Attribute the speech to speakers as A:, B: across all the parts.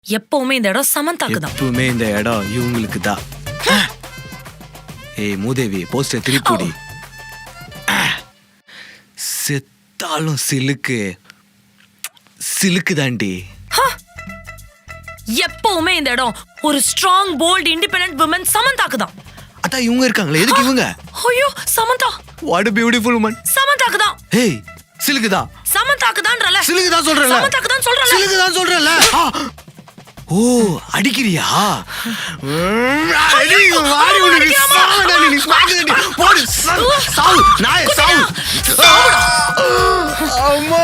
A: எப்பவுமே இந்த இடம் சமந்தாக்கு தான்.
B: எப்பவுமே இந்த இடம் இவங்களுக்கு தான். ஏய் மூதேவி போஸ்டர் திருப்பி செத்தாலும் சிலுக்கு சிலுக்கு தாண்டி.
A: எப்பவுமே இந்த இடம் ஒரு ஸ்ட்ராங் போல்ட் இண்டிபெண்டன்ட் women சமந்தாக்கு தான்.
B: அதான் இவங்க இருக்காங்களே, எதுக்கு இவங்க?
A: ஐயோ Samantha,
B: what a beautiful woman.
A: சமந்தாக்கு தான்.
B: ஏய் சிலுக்கு தான்.
A: சமந்தாக்கு தான்றல.
B: சிலுக்கு தான் சொல்றல.
A: சமந்தாக்கு தான் சொல்றல.
B: சிலுக்கு தான் சொல்றல. ஓ அடிக்கிறியா? அடி வாடி உனக்கு சாவடா நீ பாக்குறடி. போடு சாவு நாய் சாவு. அம்மா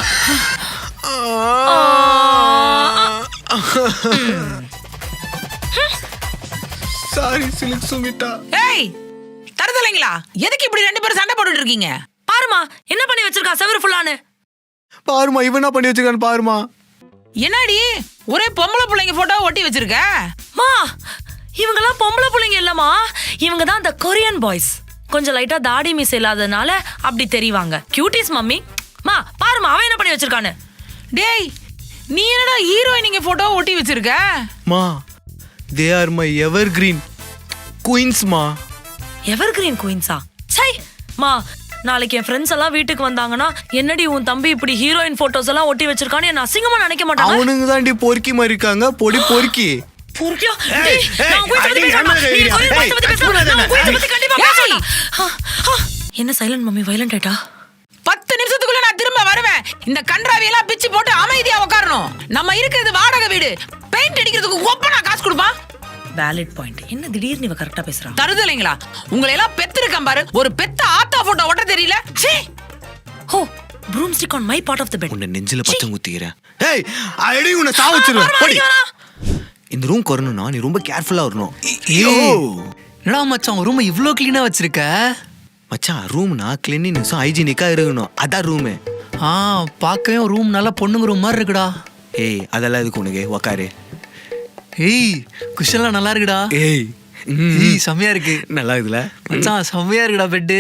B: சாரி சிலுக்கு சுமிதா.
C: ஏய் தரதலைங்களா, எதுக்கு இப்படி ரெண்டு பேரும் சண்டை போட்டுட்டு இருக்கீங்க?
A: பாருமா என்ன பண்ணி வச்சிருக்கா செவரு ஃபுல்லானு.
B: பாருமா இவன் என்ன பண்ணி வச்சிருக்கான்னு பாருமா.
C: என்னடி ஒரே பொம்பளை பிள்ளைங்க போட்டோ ஒட்டி வச்சிருக்க?
A: மா இவங்கெல்லாம் பொம்பளை பிள்ளைங்க இல்லம்மா, இவங்க தான் அந்த கொரியன் பாய்ஸ். கொஞ்சம் லைட்டா தாடி மீசை இல்லாதனால அப்படி தெரிவாங்க. Cuties mummy. மா பாருமா அவன் என்ன பண்ணி வச்சிருக்கானு.
C: டேய் நீ என்னடா ஹீரோயினிங்க போட்டோ ஒட்டி வச்சிருக்க?
B: மா they are my evergreen queens மா.
A: எவர்கிரீன் குயின்ஸா? சை மா, நாளைக்கு என் ஃப்ரெண்ட்ஸ் எல்லாம் வீட்டுக்கு வந்தாங்கன்னா என்னடி உன் தம்பி இப்படி ஹீரோயின் போட்டோஸ் எல்லாம் ஒட்டி வச்சிருக்கான்னு என்ன அசிங்கமா நினைக்க மாட்டாங்க.
B: அவனுங்க தாண்டி பொறுக்கி மாதிரி இருக்காங்க. பொடி பொறுக்கி
A: பொறுக்கியா? டேய், நான் உன் பத்தி பேசணும். நீ கொரியன் பாய்ஸ் பத்தி பேசணும். நான் உன் பத்தி கண்டிப்பா பேசணும். என்ன சைலண்ட் மம்மி வயலண்ட் ஆயிட்டா?
C: 10 நிமிஷத்துக்குள்ள நான் திரும்ப வருவேன். இந்த கன்றாவி எல்லாம் பிச்சு போட்டு அமைதியா உட்காரணும். நம்ம இருக்கிறது வாடகை வீடு. பெயிண்ட் அடிக்கிறதுக்கு ஒப்பனா காசு கொடுப்பான்.
A: Valid point. என்ன திடீர்னு இவ கரெக்ட்டா பேசுறா?
C: தருதலைங்களா, உங்களை எல்லாம் பெத்திருக்கேன் பாரு, ஒரு பெத்த ஆத்தா போட்டோ ஒட்ட தெரியல. சீ.
A: ஹோ broomstick on my part of the bed.
B: உன்னை நெஞ்சில பச்சை குத்திக்கிறேன். ஏய் அடி உன்னை சாவச்சிருவேன். போடி. இந்த ரூம் வரணும்னா நீ ரொம்ப கேர்ஃபுல்லா வரணும். ஐயோ
D: என்னடா மச்சான் ரூம் இவ்ளோ க்ளீனா வச்சிருக்க?
B: மச்சான் ரூம்னா கிளீனினஸும் ஹைஜீனிக்கா இருக்கணும். அதான் ரூம்.
D: பார்க்கவே ரூம் நல்லா பொண்ணுங்க ரூம் மாதிரி இருக்குடா.
B: ஏய் அதெல்லாம் எதுக்கு உனக்கு? உக்காரு.
D: ஏய் குஷன்லாம் நல்லா இருக்குடா.
B: ஏய்
D: ஏய் செம்மையா இருக்கு.
B: நல்லா இருக்குல
D: மச்சான் செம்மையா இருக்குடா பெட்டு.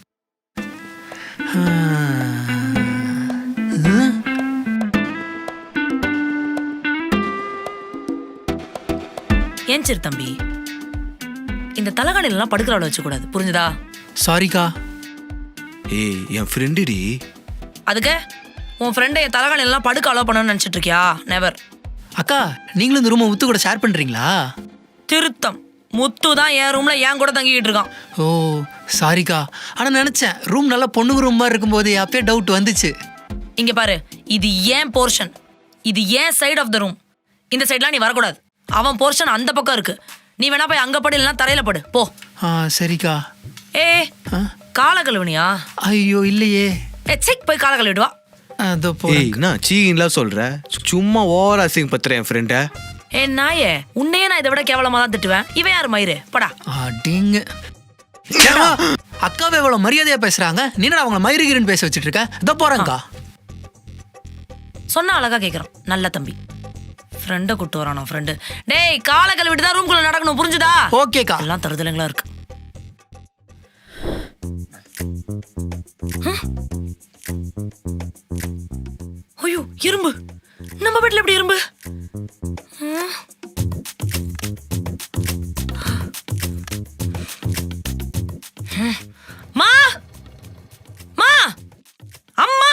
A: ஏன் சிறு தம்பி, இந்த தலகாணில எல்லாம் படுக்கிறவள வச்சு கூடாது, புரிஞ்சுதா?
D: சாரிக்கா.
B: ஏய் என் ஃப்ரெண்டு டி.
A: அதுக்கு உன் ஃப்ரெண்டை என் தலகாணில எல்லாம் படுக்க அலோ பண்ணணும்னு நினைச்சிட்டு இருக்கியா? நெவர்.
D: அக்கா நீங்களும் இந்த ரூமை முத்து கூட ஷேர் பண்றீங்களா?
A: திருத்தம். முத்து தான் என் ரூம்ல என் கூட தங்கிட்டு இருக்கான்.
D: ஓ சாரிக்கா. ஆனா நினைச்சேன் ரூம் நல்லா பொண்ணுங்க ரூம் மாதிரி இருக்கும்போது அப்பயே டவுட் வந்துச்சு.
A: இங்க பாரு, இது ஏன் போர்ஷன், இது ஏன் சைடு ஆஃப் த ரூம். இந்த சைட்லாம் நீ வரக்கூடாது. அவன் போர்ஷன் அந்த பக்கம் இருக்கு. நீ வேணா போய் அங்க படு, இல்லைன்னா தரையில படு போ.
D: சரிக்கா.
A: ஏ கால கழுவுனியா?
D: ஐயோ இல்லையே.
A: செக் போய் கால கழுவிட்டு வா.
D: அதோ போ.
B: ஏய் நான் சீன்லாம் சொல்ற, சும்மா ஓவர் அசிங் பத்துறேன் என் ஃப்ரெண்ட.
A: ஏ நாயே, உன்னையே நான் இதை விட கேவலமா தான் திட்டுவேன். இவன் யாரு மயிறு? படா.
D: அடிங்க. அக்காவை எவ்வளவு மரியாதையா பேசுறாங்க, நீ அவங்கள மயிருகிறன்னு பேச வச்சுட்டு இருக்க. இதோ போறேன்க்கா.
A: சொன்னா அழகா கேக்குறான். நல்ல தம்பி. ஃப்ரெண்டை கூட்டு வரானா ஃப்ரெண்டு. டேய் கால கழுவிட்டு தான் ரூம்குள்ள நடக்கணும், புரிஞ்சுதா?
D: ஓகேக்கா.
A: எல்லாம் தருதலைங்களா இருக்கு. ஐயோ இரும்பு, நம்ம வீட்டுல எப்படி இரும்பு? மா மா அம்மா,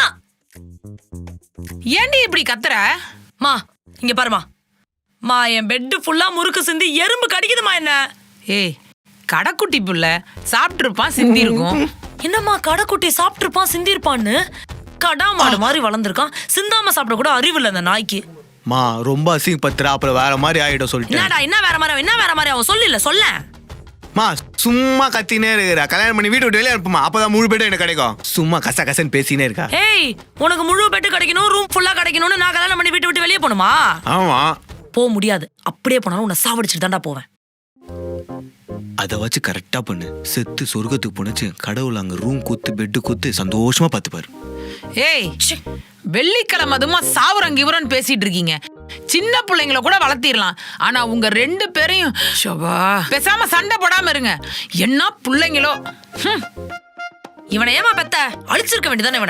C: ஏண்டி இப்படி கத்துற?
A: மா இங்க பாருமா. மா என் பெட்டு ஃபுல்லா முறுக்கு சிந்தி எறும்பு கடிக்குதுமா என்ன.
C: ஏய் கடைக்குட்டி புள்ள சாப்பிட்டு இருப்பான், சிந்தி இருக்கும்.
A: என்னம்மா கடைக்குட்டி சாப்பிட்டு இருப்பான் சிந்தி இருப்பான்னு? கடா மாடு மாதிரி வளர்ந்துருக்கான், சிந்தாம சாப்பிட கூட அறிவு இல்லை அந்த நாய்க்கு.
B: மா ரொம்ப அசிங் பத்துற, அப்புறம் வேற மாதிரி ஆயிடும் சொல்லிட்டேன்.
A: என்னடா என்ன வேற மாதிரி, என்ன வேற மாதிரி அவன் சொல்லல சொல்ல.
B: மா சும்மா கத்தினே இருக்கிற, கல்யாணம் பண்ணி வீட்டு விட்டு வெளியே அனுப்புமா, அப்பதான் முழு பேட்டும் எனக்கு கிடைக்கும். சும்மா கச கசன்னு பேசினே இருக்கா.
A: ஏய் உனக்கு முழு பெட்டு கிடைக்கணும், ரூம் ஃபுல்லா கிடைக்கணும்னு நான் கல்யாணம் பண்ணி வீட்டு விட்டு வெளியே போணுமா?
B: ஆமா
A: போக முடியாது. அப்படியே போனாலும் உன்னை சாவடிச்சுட்டு தான்டா போவேன்.
B: அதை வச்சு கரெக்டா பண்ணு. செத்து சொர்க்கத்துக்கு போனச்சு கடவுள் அங்க ரூம் கூத்து பெட்டு கூத்து சந்தோஷமா பார்த்துப்பாரு.
C: ஏய் வெள்ளிக்கிழமை அதுமா சாவுரங்க இவரன்னு பேசிட்டு இருக்கீங்க. சின்ன பிள்ளைங்கள கூட வளர்த்திடலாம், ஆனா உங்க 2 பேரையும் பேசாம சண்டை போடாம இருங்க. என்ன பிள்ளைங்களோ.
A: இவனை ஏமா பெத்த? அழிச்சிருக்க வேண்டியதானே இவனை.